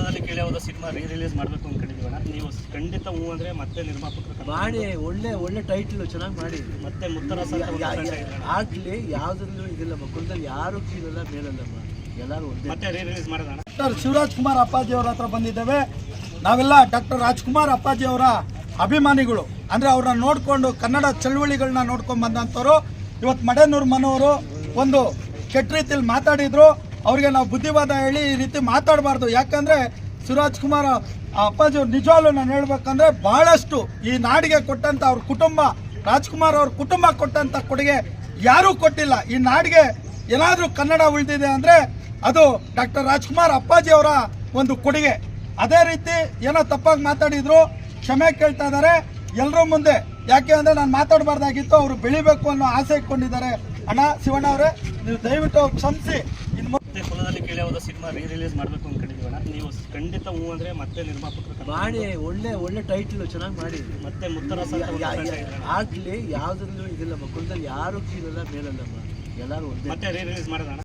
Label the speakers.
Speaker 1: ಕುಲದಲ್ಲಿ ಕೇಳಿ ಹೋದ ಸಿನಿಮಾ ರಿಲೀಸ್ ಮಾಡಬೇಕು ಅನ್ಕೊಂಡಿದ್ದೀವಣ್ಣ. ನೀವು ಖಂಡಿತ ಹೂ ಅಂದ್ರೆ ಮತ್ತೆ ನಿರ್ಮಾಪಕರು
Speaker 2: ಮಾಡಿ ಒಳ್ಳೆ ಟೈಟ್ಲು ಚೆನ್ನಾಗಿ ಮಾಡಿ
Speaker 1: ಮತ್ತೆ ಮುತ್ತರಸ
Speaker 2: ಆಗ್ಲಿ ಯಾವ್ದ್ರಲ್ಲೂ ಇದಿಲ್ಲ. ಕುಲದಲ್ಲಿ ಯಾರು ಕೀಳಲ್ಲ ಮೇಲಲ್ಲಮ್ಮ, ಎಲ್ಲರೂ
Speaker 1: ಮತ್ತೆ ರಿಲೀಸ್ ಮಾಡೋದಣ್ಣ.
Speaker 3: ಡಾಕ್ಟರ್ ಶಿವರಾಜ್ ಕುಮಾರ್ ಅಪ್ಪಾಜಿ ಅವರ ಹತ್ರ ಬಂದಿದ್ದೇವೆ. ನಾವೆಲ್ಲ ಡಾಕ್ಟರ್ ರಾಜ್ಕುಮಾರ್ ಅಪ್ಪಾಜಿ ಅವರ ಅಭಿಮಾನಿಗಳು, ಅಂದರೆ ಅವ್ರನ್ನ ನೋಡಿಕೊಂಡು ಕನ್ನಡ ಚಳುವಳಿಗಳನ್ನ ನೋಡ್ಕೊಂಡು ಬಂದಂಥವ್ರು. ಇವತ್ತು ಮಡೇನೂರು ಮನೋರು ಒಂದು ಕೆಟ್ಟ ರೀತಿಯಲ್ಲಿ ಮಾತಾಡಿದ್ರು. ಅವ್ರಿಗೆ ನಾವು ಬುದ್ಧಿವಾದ ಹೇಳಿ ಈ ರೀತಿ ಮಾತಾಡಬಾರ್ದು. ಯಾಕಂದರೆ ಶಿವರಾಜ್ ಕುಮಾರ್ ಅಪ್ಪಾಜಿ ಅವ್ರು ನಿಜವಾಗ್ಲೂ ನಾನು ಹೇಳ್ಬೇಕಂದ್ರೆ ಭಾಳಷ್ಟು ಈ ನಾಡಿಗೆ ಕೊಟ್ಟಂಥ ಅವ್ರ ಕುಟುಂಬ, ರಾಜ್ಕುಮಾರ್ ಅವ್ರ ಕುಟುಂಬ ಕೊಟ್ಟಂಥ ಕೊಡುಗೆ ಯಾರೂ ಕೊಟ್ಟಿಲ್ಲ. ಈ ನಾಡಿಗೆ ಏನಾದರೂ ಕನ್ನಡ ಉಳಿದಿದೆ ಅಂದರೆ ಅದು ಡಾಕ್ಟರ್ ರಾಜ್ಕುಮಾರ್ ಅಪ್ಪಾಜಿ ಅವರ ಒಂದು ಕೊಡುಗೆ. ಅದೇ ರೀತಿ ಏನೋ ತಪ್ಪಾಗಿ ಮಾತಾಡಿದ್ರು, ಕ್ಷಮೆ ಕೇಳ್ತಾ ಇದ್ದಾರೆ ಎಲ್ಲರೂ ಮುಂದೆ. ಯಾಕೆ ಅಂದರೆ ನಾನು ಮಾತಾಡಬಾರ್ದಾಗಿತ್ತು, ಅವರು ಬೆಳಿಬೇಕು ಅನ್ನೋ ಆಸೆ ಇಟ್ಕೊಂಡಿದ್ದಾರೆ. ಅಣ್ಣ ಶಿವಣ್ಣ ಅವರೇ, ನೀವು ದಯವಿಟ್ಟು ಕ್ಷಮಿಸಿ.
Speaker 1: ಮತ್ತೆ ಕುಲದಲ್ಲಿ ಕೇಳಿ ಹೋದ ಸಿನಿಮಾ ರಿಲೀಸ್ ಮಾಡಬೇಕು ಅನ್ಕೊಂಡಿದ್ದೀವಣ್ಣ. ನೀವು ಖಂಡಿತ ಹೂ ಅಂದ್ರೆ ಮತ್ತೆ ನಿರ್ಮಾಪಕರು
Speaker 2: ಮಾಡಿ ಒಳ್ಳೆ ಟೈಟ್ಲು ಚೆನ್ನಾಗಿ ಮಾಡಿ
Speaker 1: ಮತ್ತೆ ಮುತ್ತರಸ
Speaker 2: ಆಗ್ಲಿ ಯಾವ್ದ್ರಲ್ಲೂ ಇದಿಲ್ಲ. ಕುಲದಲ್ಲಿ ಯಾರು ಕೀಳಲ್ಲ ಮೇಲಲ್ಲಮ್ಮ, ಎಲ್ಲರೂ
Speaker 1: ಮತ್ತೆ ರಿಲೀಸ್ ಮಾಡೋದಣ್ಣ.